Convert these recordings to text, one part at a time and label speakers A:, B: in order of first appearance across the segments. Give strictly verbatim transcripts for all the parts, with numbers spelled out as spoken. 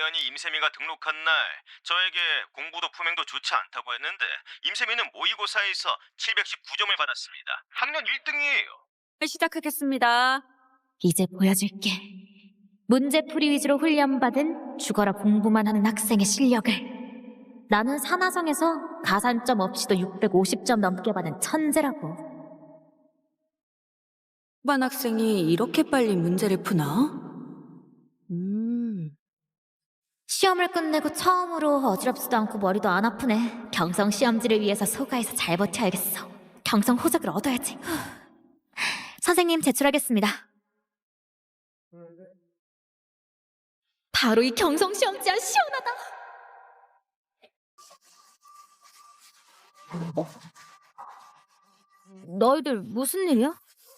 A: 기관이 임세미가 등록한 날 저에게 공부도 품행도 좋지 않다고 했는데 임세미는 모의고사에서 칠백십구 점을 받았습니다. 학년 일 등이에요.
B: 시작하겠습니다. 이제 보여줄게. 문제풀이 위주로 훈련받은 죽어라 공부만 하는 학생의 실력을. 나는 산하성에서 가산점 없이도 육백오십 점 넘게 받은 천재라고.
C: 반 학생이 이렇게 빨리 문제를 푸나? 음,
B: 시험을 끝내고 처음으로 어지럽지도 않고 머리도 안 아프네. 경성 시험지를 위해서 소가에서 잘 버텨야겠어. 경성 호적을 얻어야지. 선생님, 제출하겠습니다. 바로 이 경성 시험지야. 시원하다. 너희들 무슨 일이야?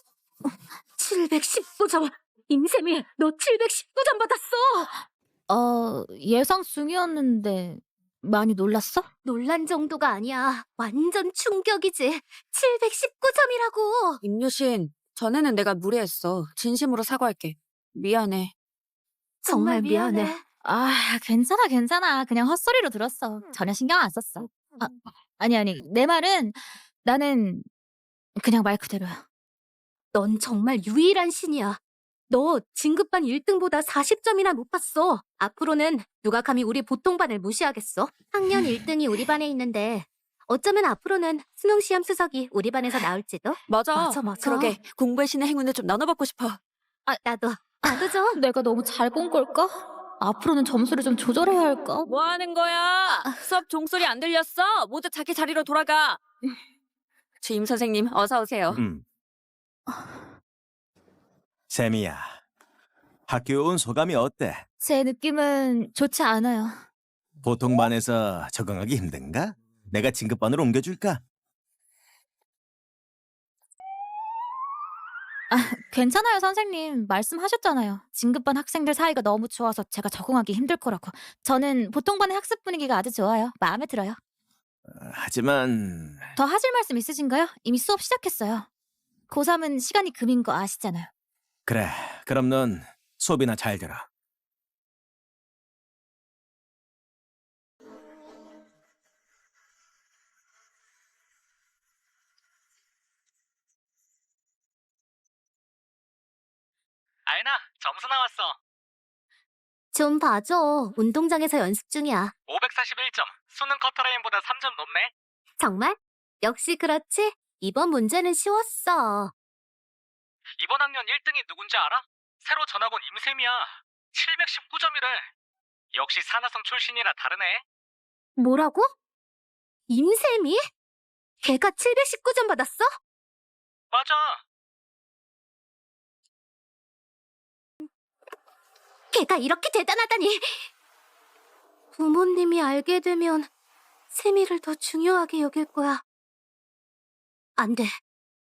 D: 칠백십구 점! 임세미, 너 칠백십구 점 받았어!
B: 어, 예상 중이었는데 많이 놀랐어?
D: 놀란 정도가 아니야. 완전 충격이지. 칠백십구 점이라고!
C: 임유신, 전에는 내가 무례했어. 진심으로 사과할게. 미안해.
D: 정말 미안해.
B: 아, 괜찮아, 괜찮아. 그냥 헛소리로 들었어. 전혀 신경 안 썼어. 아, 아니, 아니. 내 말은 나는 그냥 말 그대로야.
D: 넌 정말 유일한 신이야. 너 진급반 일 등보다 사십 점이나 높았어. 앞으로는 누가 감히 우리 보통반을 무시하겠어? 학년 일 등이 우리 반에 있는데 어쩌면 앞으로는 수능시험 수석이 우리 반에서 나올지도?
C: 맞아.
D: 맞아, 맞아.
C: 그러게, 공부의 신의 행운을 좀 나눠받고 싶어.
D: 아, 나도. 나도 좀.
B: 내가 너무 잘 본 걸까? 앞으로는 점수를 좀 조절해야 할까?
C: 뭐 하는 거야? 수업 종소리 안 들렸어? 모두 자기 자리로 돌아가. 주임 선생님, 어서 오세요.
A: 음. 세미야, 학교에 온 소감이 어때?
B: 제 느낌은 좋지 않아요.
A: 보통 반에서 적응하기 힘든가? 내가 진급반으로 옮겨줄까?
B: 아, 괜찮아요, 선생님. 말씀하셨잖아요. 진급반 학생들 사이가 너무 좋아서 제가 적응하기 힘들 거라고. 저는 보통반의 학습 분위기가 아주 좋아요. 마음에 들어요.
A: 하지만
B: 더 하실 말씀 있으신가요? 이미 수업 시작했어요. 고삼은 시간이 금인 거 아시잖아요.
A: 그래, 그럼 넌 수업이나 잘 들어.
E: 아연아, 점수 나왔어.
D: 좀 봐줘. 운동장에서 연습 중이야.
E: 오백사십일 점. 수능 커터라인보다 삼 점 높네.
D: 정말? 역시 그렇지? 이번 문제는 쉬웠어.
E: 이번 학년 일 등이 누군지 알아? 새로 전학 온 임샘이야. 칠백십구 점이래. 역시 산하성 출신이라 다르네.
D: 뭐라고? 임샘이? 걔가 칠백십구 점 받았어?
E: 맞아.
D: 걔가 이렇게 대단하다니! 부모님이 알게 되면 세미를 더 중요하게 여길 거야. 안 돼.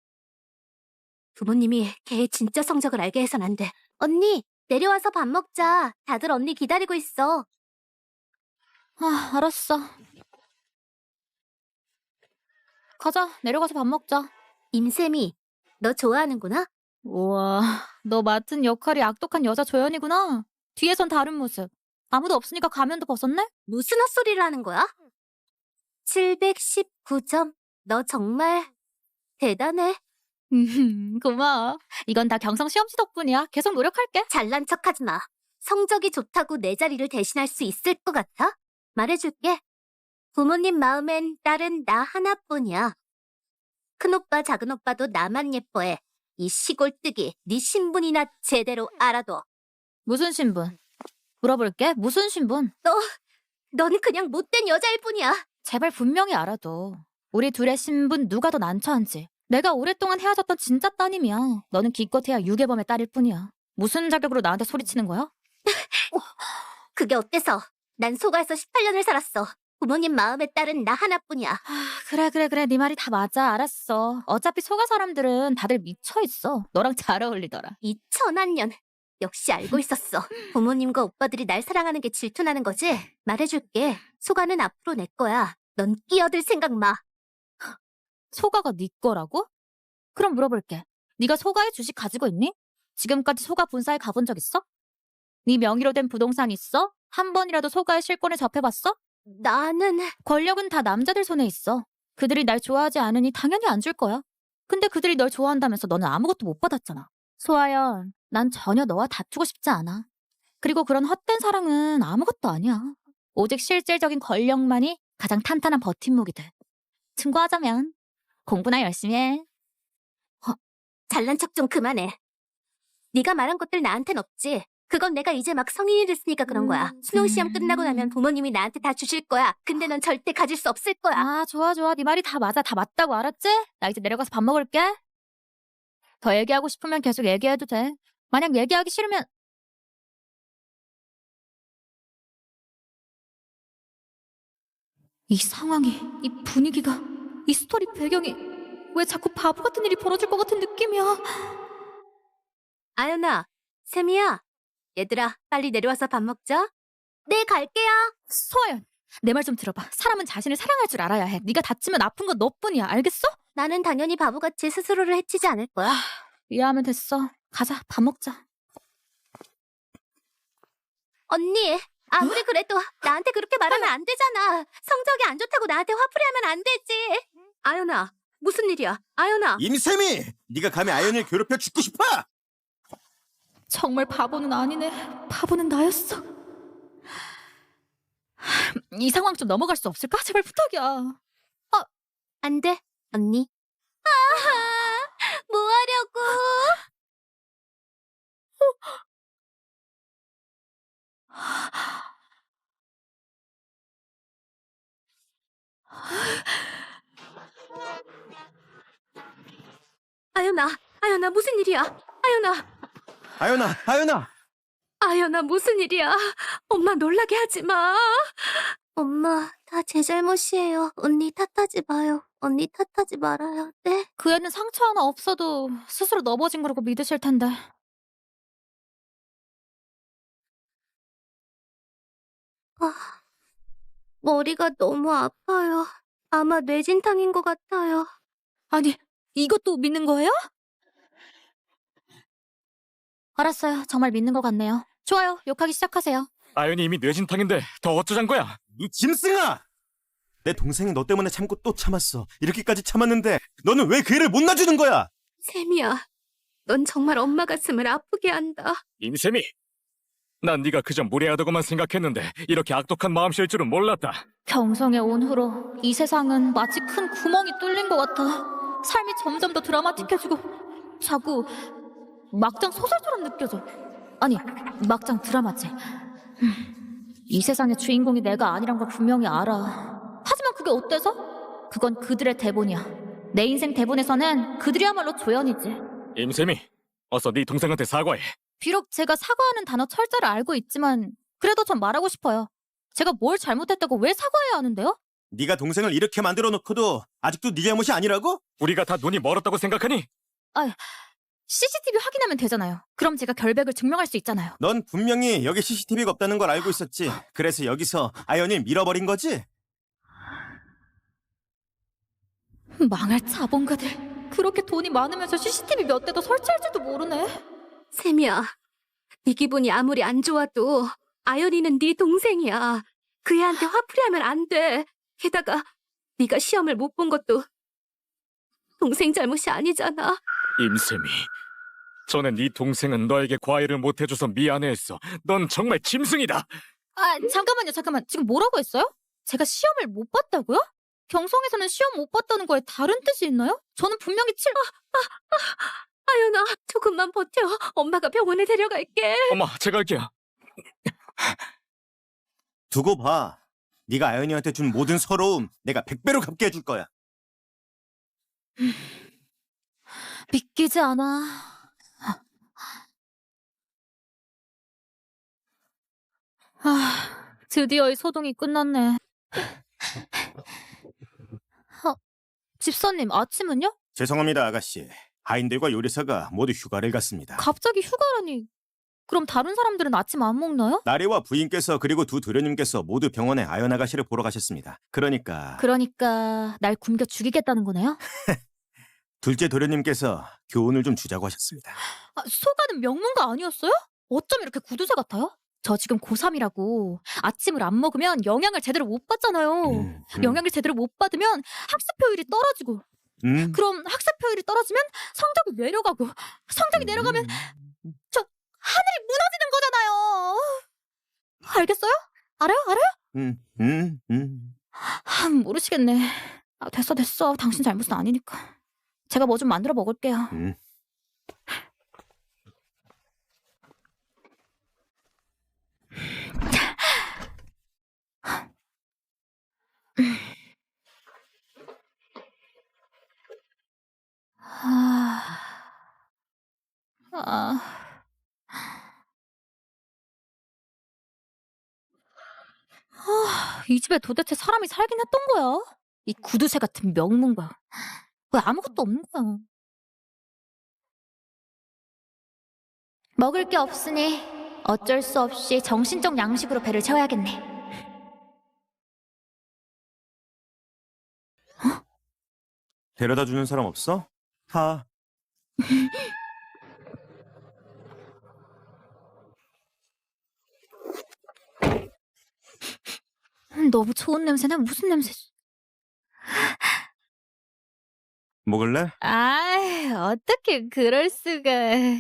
D: 부모님이 걔의 진짜 성적을 알게 해선 안 돼. 언니, 내려와서 밥 먹자. 다들 언니 기다리고 있어.
B: 아, 알았어. 가자, 내려가서 밥 먹자.
D: 임샘이, 너 좋아하는구나?
B: 우와, 너 맡은 역할이 악독한 여자 조연이구나. 뒤에선 다른 모습. 아무도 없으니까 가면도 벗었네?
D: 무슨 헛소리를 하는 거야? 칠백십구 점. 너 정말 대단해.
B: 음, 고마워. 이건 다 경성 시험지 덕분이야. 계속 노력할게.
D: 잘난 척하지 마. 성적이 좋다고 내 자리를 대신할 수 있을 것 같아? 말해줄게. 부모님 마음엔 딸은 나 하나뿐이야. 큰오빠 작은오빠도 나만 예뻐해. 이 시골뜨기 네 신분이나 제대로 알아둬.
B: 무슨 신분? 물어볼게. 무슨 신분?
D: 넌 그냥 못된 여자일 뿐이야.
B: 제발 분명히 알아둬. 우리 둘의 신분 누가 더 난처한지. 내가 오랫동안 헤어졌던 진짜 따님이야. 너는 기껏해야 유괴범의 딸일 뿐이야. 무슨 자격으로 나한테 소리치는 거야?
D: 그게 어때서? 난 소가에서 십팔 년을 살았어. 부모님 마음의 딸은 나 하나뿐이야.
B: 아, 그래 그래 그래. 네 말이 다 맞아. 알았어. 어차피 소가 사람들은 다들 미쳐있어. 너랑 잘 어울리더라.
D: 이 천한 년. 역시 알고 있었어. 부모님과 오빠들이 날 사랑하는 게 질투나는 거지? 말해줄게. 소가는 앞으로 내 거야. 넌 끼어들 생각 마.
B: 소가가 네 거라고? 그럼 물어볼게. 네가 소가의 주식 가지고 있니? 지금까지 소가 본사에 가본 적 있어? 네 명의로 된 부동산 있어? 한 번이라도 소가의 실권에 접해봤어?
D: 나는
B: 권력은 다 남자들 손에 있어. 그들이 날 좋아하지 않으니 당연히 안 줄 거야. 근데 그들이 널 좋아한다면서 너는 아무것도 못 받았잖아. 소아연, 난 전혀 너와 다투고 싶지 않아. 그리고 그런 헛된 사랑은 아무것도 아니야. 오직 실질적인 권력만이 가장 탄탄한 버팀목이 돼. 증거하자면 공부나 열심히 해.
D: 잘난 척 좀 그만해. 네가 말한 것들 나한텐 없지. 그건 내가 이제 막 성인이 됐으니까 그런 거야.
B: 음,
D: 수능 시험
B: 음.
D: 끝나고 나면 부모님이 나한테 다 주실 거야. 근데 넌 절대 가질 수 없을 거야.
B: 아, 좋아, 좋아. 네 말이 다 맞아. 다 맞다고, 알았지? 나 이제 내려가서 밥 먹을게. 더 얘기하고 싶으면 계속 얘기해도 돼. 만약 얘기하기 싫으면 이 상황이, 이 분위기가, 이 스토리 배경이 왜 자꾸 바보 같은 일이 벌어질 것 같은 느낌이야.
D: 아연아, 세미야. 얘들아, 빨리 내려와서 밥 먹자. 네, 갈게요.
B: 소아연, 내 말 좀 들어봐. 사람은 자신을 사랑할 줄 알아야 해. 네가 다치면 아픈 건 너뿐이야. 알겠어?
D: 나는 당연히 바보같이 스스로를 해치지 않을 거야.
B: 이해하면 됐어. 가자, 밥 먹자.
D: 언니, 아무리 그래도 나한테 그렇게 말하면 안 되잖아. 성적이 안 좋다고 나한테 화풀이하면 안 되지. 아연아, 무슨 일이야? 아연아.
A: 임세미! 네가 감히 아연이를 괴롭혀 죽고 싶어?
B: 정말 바보는 아니네. 바보는 나였어. 이 상황 좀 넘어갈 수 없을까? 제발 부탁이야.
D: 안 돼, 언니. 아하, 뭐 하려고? 아연아, 아연아, 무슨 일이야? 아연아,
A: 아연아, 아연아!
D: 아연아, 무슨 일이야? 엄마 놀라게 하지 마. 엄마, 다 제 잘못이에요. 언니 탓하지 마요. 언니 탓하지 말아요. 네?
B: 그 애는 상처 하나 없어도 스스로 넘어진 거라고 믿으실 텐데.
D: 아, 머리가 너무 아파요. 아마 뇌진탕인 것 같아요.
B: 아니, 이것도 믿는 거예요? 알았어요. 정말 믿는 것 같네요. 좋아요. 욕하기 시작하세요.
E: 아연이 이미 뇌진탕인데 더 어쩌잔 거야?
A: 이 짐승아! 내 동생이 너 때문에 참고 또 참았어. 이렇게까지 참았는데 너는 왜 그 애를 못 놔주는 거야?
D: 세미야, 넌 정말 엄마 가슴을 아프게 한다.
E: 임세미! 난 네가 그저 무례하다고만 생각했는데 이렇게 악독한 마음씨일 줄은 몰랐다.
B: 경성에 온 후로 이 세상은 마치 큰 구멍이 뚫린 것 같아. 삶이 점점 더 드라마틱해지고 자꾸 막장 소설처럼 느껴져. 아니, 막장 드라마지. 음, 이 세상의 주인공이 내가 아니란 걸 분명히 알아. 하지만 그게 어때서? 그건 그들의 대본이야. 내 인생 대본에서는 그들이야말로 조연이지.
E: 임세미, 어서 네 동생한테 사과해.
B: 비록 제가 사과하는 단어 철자를 알고 있지만 그래도 전 말하고 싶어요. 제가 뭘 잘못했다고 왜 사과해야 하는데요?
A: 네가 동생을 이렇게 만들어 놓고도 아직도 네 잘못이 아니라고?
E: 우리가 다 눈이 멀었다고 생각하니?
B: 씨씨티비 확인하면 되잖아요. 그럼 제가 결백을 증명할 수 있잖아요.
A: 넌 분명히 여기 씨씨티비가 없다는 걸 알고 있었지. 그래서 여기서 아연을 밀어버린 거지?
B: 망할 자본가들. 그렇게 돈이 많으면서 씨씨티비 몇 대도 설치할지도 모르네.
D: 세미야, 네 기분이 아무리 안 좋아도 아연이는 네 동생이야. 그 애한테 화풀이하면 안 돼. 게다가 네가 시험을 못 본 것도 동생 잘못이 아니잖아.
E: 임세미, 전에 네 동생은 너에게 과외를 못해줘서 미안해했어. 넌 정말 짐승이다.
B: 아, 잠깐만요, 잠깐만. 지금 뭐라고 했어요? 제가 시험을 못 봤다고요? 경성에서는 시험 못 봤다는 거에 다른 뜻이 있나요? 저는 분명히 칠...
D: 아연아, 조금만 버텨. 엄마가 병원에 데려갈게.
E: 엄마, 제가 할게요.
A: 두고 봐. 네가 아연이한테 준 모든 서러움 내가 백 배로 갚게 해줄 거야.
B: 믿기지 않아. 아, 드디어 이 소동이 끝났네. 어, 집사님, 아침은요?
A: 죄송합니다, 아가씨. 아인들과 요리사가 모두 휴가를 갔습니다.
B: 갑자기 휴가라니. 그럼 다른 사람들은 아침 안 먹나요?
A: 나리와 부인께서 그리고 두 도련님께서 모두 병원에 아연 아가씨를 보러 가셨습니다. 그러니까
B: 그러니까 날 굶겨 죽이겠다는 거네요?
A: 둘째 도련님께서 교훈을 좀 주자고 하셨습니다.
B: 아, 소가는 명문가 아니었어요? 어쩜 이렇게 구두쇠 같아요? 저 지금 고삼이라고 아침을 안 먹으면 영양을 제대로 못 받잖아요.
A: 음, 음,
B: 영양을 제대로 못 받으면 학습 효율이 떨어지고
A: 음,
B: 그럼 학습 효율이 떨어지면 성적이 내려가고 성적이 내려가면
A: 음.
B: 저 하늘이 무너지는 거잖아요. 알겠어요? 알아요? 알아요?
A: 음, 음, 음.
B: 아, 모르시겠네. 아, 됐어 됐어. 당신 잘못은 아니니까. 제가 뭐 좀 만들어 먹을게요.
A: 음.
B: 아... 아... 아, 이 집에 도대체 사람이 살긴 했던 거야? 이 구두쇠 같은 명문가. 왜 아무것도 없는 거야? 먹을 게 없으니 어쩔 수 없이 정신적 양식으로 배를 채워야겠네.
A: 데려다 주는 사람 없어? 타.
B: 너무 좋은 냄새네. 무슨 냄새?
A: 먹을래?
B: 아, 어떻게 그럴 수가.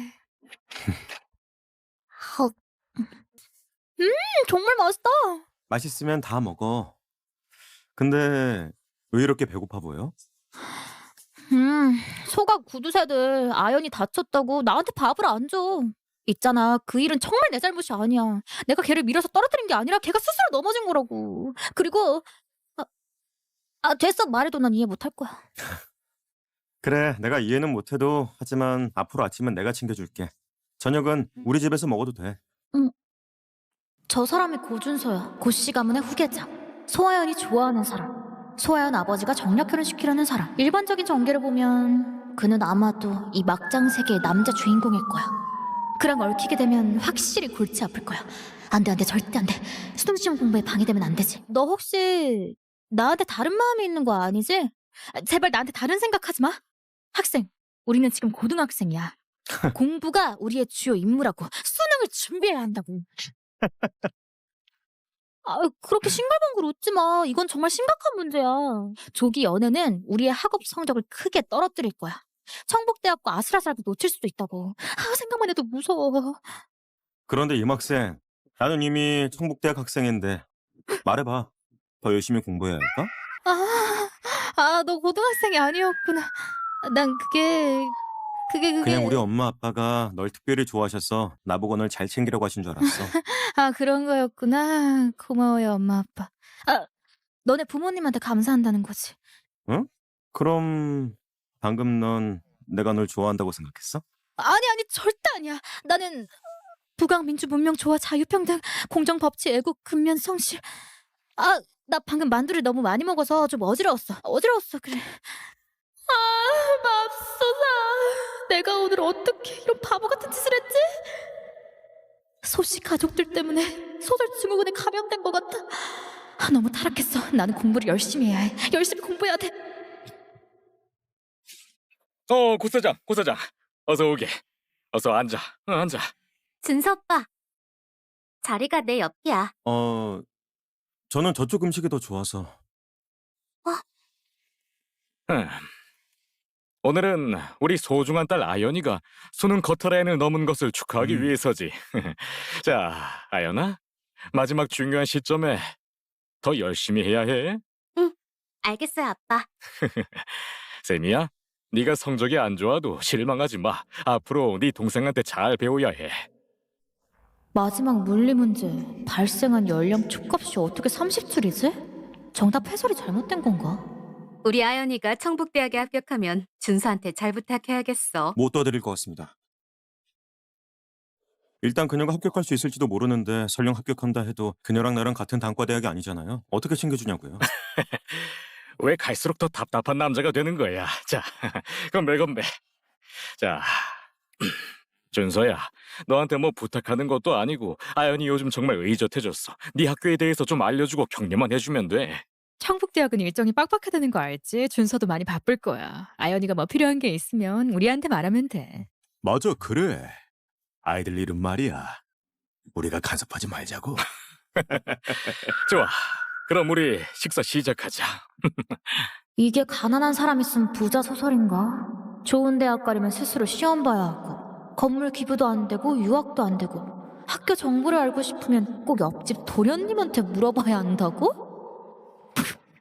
B: 헉. 음, 정말 맛있다.
A: 맛있으면 다 먹어. 근데 왜 이렇게 배고파 보여?
B: 음, 소각 구두쇠들 아연이 다쳤다고 나한테 밥을 안 줘. 있잖아, 그 일은 정말 내 잘못이 아니야. 내가 걔를 밀어서 떨어뜨린 게 아니라 걔가 스스로 넘어진 거라고. 그리고 아, 아 됐어. 말해도 난 이해 못할 거야.
A: 그래, 내가 이해는 못해도 하지만 앞으로 아침은 내가 챙겨줄게. 저녁은 우리 집에서 먹어도 돼.
B: 저 사람이 고준서야. 고씨 가문의 후계자. 소아연이 좋아하는 사람. 소아연 아버지가 정략 결혼시키려는 사람. 일반적인 전개를 보면 그는 아마도 이 막장 세계의 남자 주인공일 거야. 그랑 얽히게 되면 확실히 골치 아플 거야. 안 돼, 안 돼, 절대 안 돼. 수동시험 공부에 방해되면 안 되지. 너 혹시 나한테 다른 마음이 있는 거 아니지? 아, 제발 나한테 다른 생각하지 마. 학생, 우리는 지금 고등학생이야. 공부가 우리의 주요 임무라고. 수능을 준비해야 한다고. 아, 그렇게 싱글벙글 웃지 마. 이건 정말 심각한 문제야. 조기 연애는 우리의 학업 성적을 크게 떨어뜨릴 거야. 청북대학과 아슬아슬하게 놓칠 수도 있다고. 아, 생각만 해도 무서워.
A: 그런데 임 학생, 나는 이미 청북대학 학생인데 말해봐. 더 열심히 공부해야 할까?
B: 아, 아, 너 고등학생이 아니었구나. 난 그게, 그게, 그게.
A: 그냥 우리 엄마 아빠가 널 특별히 좋아하셔서 나보고 널 잘 챙기려고 하신 줄 알았어.
B: 아, 그런 거였구나. 고마워요, 엄마, 아빠. 아, 너네 부모님한테 감사한다는 거지.
A: 응? 그럼 방금 넌 내가 널 좋아한다고 생각했어?
B: 아니, 아니, 절대 아니야. 나는 부강, 민주, 문명, 조화, 자유평등, 공정, 법치, 애국, 근면, 성실. 아, 나 방금 만두를 너무 많이 먹어서 좀 어지러웠어. 어지러웠어, 그래. 아, 맙소사. 내가 오늘 어떻게 이런 바보 같은 짓을 했지? 소씨 가족들 때문에 소설 증후군에 감염된 것 같아. 아, 너무 타락했어. 나는 공부를 열심히 해야 해. 열심히 공부해야 돼.
E: 어, 고사장, 고사장. 어서 오게. 어서 앉아. 어, 앉아.
D: 준서 오빠. 자리가 내 옆이야.
A: 어, 저는 저쪽 음식이 더 좋아서.
E: 음. 오늘은 우리 소중한 딸 아연이가 수능 커터라인을 넘은 것을 축하하기
A: 음.
E: 위해서지. 자, 아연아. 마지막 중요한 시점에 더 열심히 해야 해.
D: 알겠어요, 아빠.
E: 세미야, 네가 성적이 안 좋아도 실망하지 마. 앞으로 네 동생한테 잘 배워야 해.
B: 마지막 물리 문제. 발생한 연령 축값이 어떻게 삼십 줄이지? 정답 해설이 잘못된 건가?
D: 우리 아연이가 청북대학에 합격하면 준서한테 잘 부탁해야겠어.
A: 못 도와드릴 것 같습니다. 일단 그녀가 합격할 수 있을지도 모르는데 설령 합격한다 해도 그녀랑 나랑 같은 단과대학이 아니잖아요. 어떻게 챙겨주냐고요.
E: 왜 갈수록 더 답답한 남자가 되는 거야. 자, 건배 건배. 자, 준서야, 너한테 뭐 부탁하는 것도 아니고 아연이 요즘 정말 의젓해졌어. 네 학교에 대해서 좀 알려주고 격려만 해주면 돼.
F: 청북대학은 일정이 빡빡하다는 거 알지? 준서도 많이 바쁠 거야. 아연이가 뭐 필요한 게 있으면 우리한테 말하면 돼.
G: 맞아, 그래. 아이들 이름 말이야. 우리가 간섭하지 말자고.
E: 좋아. 그럼 우리 식사 시작하자.
B: 이게 가난한 사람이 쓴 부자 소설인가? 좋은 대학 가려면 스스로 시험 봐야 하고 건물 기부도 안 되고 유학도 안 되고 학교 정보를 알고 싶으면 꼭 옆집 도련님한테 물어봐야 한다고?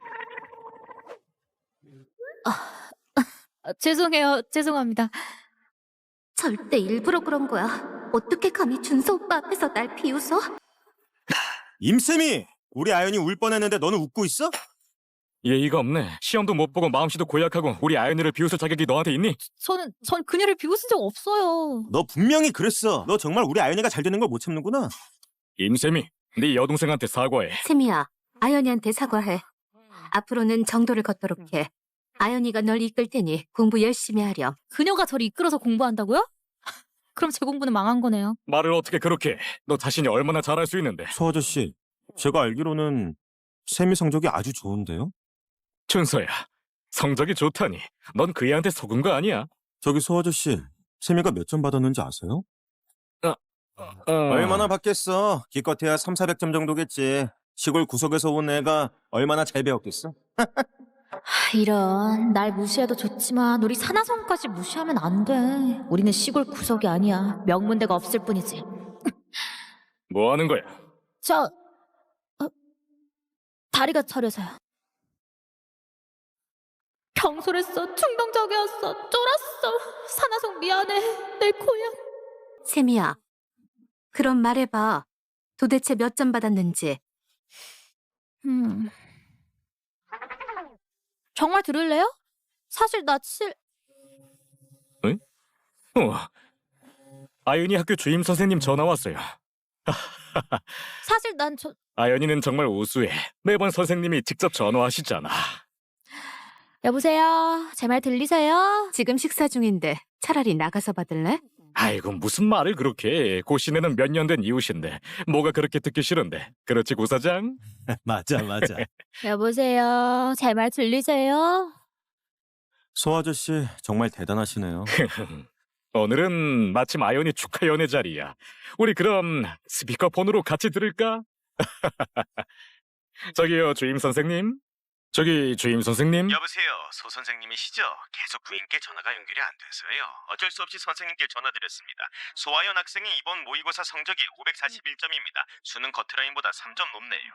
B: 아, 아, 죄송해요. 죄송합니다.
D: 절대 일부러 그런 거야. 어떻게 감히 준서 오빠 앞에서 날 비웃어?
G: 임쌤이 우리 아연이 울 뻔했는데 너는 웃고 있어?
E: 예의가 없네. 시험도 못 보고 마음씨도 고약하고 우리 아연이를 비웃을 자격이 너한테 있니?
B: 저는 전 그녀를 비웃은 적 없어요.
G: 너 분명히 그랬어. 너 정말 우리 아연이가 잘 되는 걸 못 참는구나.
E: 임쌤이 네 여동생한테 사과해.
D: 세미야, 아연이한테 사과해. 앞으로는 정도를 걷도록 해. 아연이가 널 이끌 테니 공부 열심히 하렴.
B: 그녀가 저를 이끌어서 공부한다고요? 그럼 제 공부는 망한 거네요.
E: 말을 어떻게 그렇게 해? 너 자신이 얼마나 잘할 수 있는데.
G: 소 아저씨, 제가 알기로는 세미 성적이 아주 좋은데요?
E: 준서야, 성적이 좋다니. 넌 그 애한테 속은 거 아니야?
G: 저기 소 아저씨, 세미가 몇 점 받았는지 아세요?
E: 어...
G: 얼마나 받겠어? 기껏해야 삼사백 점 정도겠지. 시골 구석에서 온 애가 얼마나 잘 배웠겠어?
B: 하, 이런 날 무시해도 좋지만 우리 산하성까지 무시하면 안 돼. 우리는 시골 구석이 아니야. 명문대가 없을 뿐이지.
E: 뭐 하는 거야?
B: 저 어, 다리가 저려서요. 경솔했어. 충동적이었어. 쫄았어. 산하성 미안해. 내 고향.
D: 세미야, 그럼 말해봐. 도대체 몇 점 받았는지.
B: 음. 정말 들을래요? 사실 나 칠...
E: 어. 아연이 학교 주임 선생님 전화 왔어요.
B: 사실 난 저...
E: 아연이는 정말 우수해. 매번 선생님이 직접 전화하시잖아.
B: 여보세요? 제 말 들리세요?
D: 지금 식사 중인데 차라리 나가서 받을래?
E: 아이고 무슨 말을 그렇게 해. 고시네는 몇 년 된 이웃인데 뭐가 그렇게 듣기 싫은데. 그렇지 고사장?
G: 맞아, 맞아.
B: 여보세요? 제 말 들리세요?
G: 소 아저씨, 정말 대단하시네요.
E: 오늘은 마침 아연이 축하 연회 자리야. 우리 그럼 스피커폰으로 같이 들을까? 저기요 주임 선생님. 저기 주임 선생님.
A: 여보세요, 소 선생님이시죠? 계속 부인께 전화가 연결이 안 돼서요. 어쩔 수 없이 선생님께 전화드렸습니다. 소아연 학생이 이번 모의고사 성적이 오백사십일 점입니다. 수능 커트라인보다 삼 점 높네요.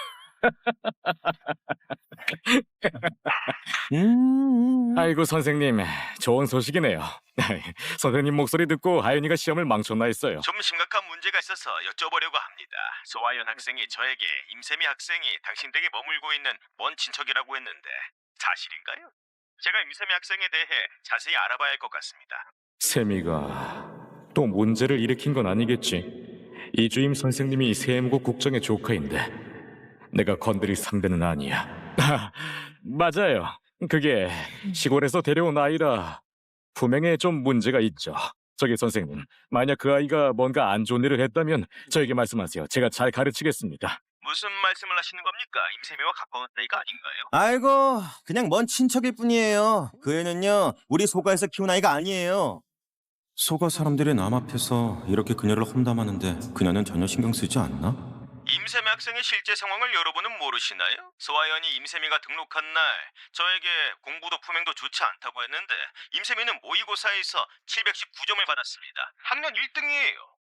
G: 음,
E: 아이고 선생님 좋은 소식이네요. 선생님 목소리 듣고 아연이가 시험을 망쳤나 했어요.
A: 좀 심각한 문제가 있어서 여쭤보려고 합니다. 소아연 학생이 저에게 임세미 학생이 당신 댁에 머물고 있는 먼 친척이라고 했는데 사실인가요? 제가 임세미 학생에 대해 자세히 알아봐야 할 것 같습니다.
E: 세미가 또 문제를 일으킨 건 아니겠지. 이 주임 선생님이 세무국 국정의 조카인데 내가 건드릴 상대는 아니야. 아, 맞아요. 그게 시골에서 데려온 아이라 품행에 좀 문제가 있죠. 저기 선생님, 만약 그 아이가 뭔가 안 좋은 일을 했다면 저에게 말씀하세요. 제가 잘 가르치겠습니다.
A: 무슨 말씀을 하시는 겁니까? 임세미와 가까운 사이가 아닌가요?
G: 아이고, 그냥 먼 친척일 뿐이에요. 그 애는요, 우리 소가에서 키운 아이가 아니에요. 소가 사람들이 남 앞에서 이렇게 그녀를 험담하는데 그녀는 전혀 신경 쓰지 않나?
A: 임세미 학생의 실제 상황을 여러분은 모르시나요? 소아연이 임세미가 등록한 날 저에게 공부도 품행도 좋지 않다고 했는데 임세미는 모의고사에서 칠백십구 점을 받았습니다. 학년 일 등이에요.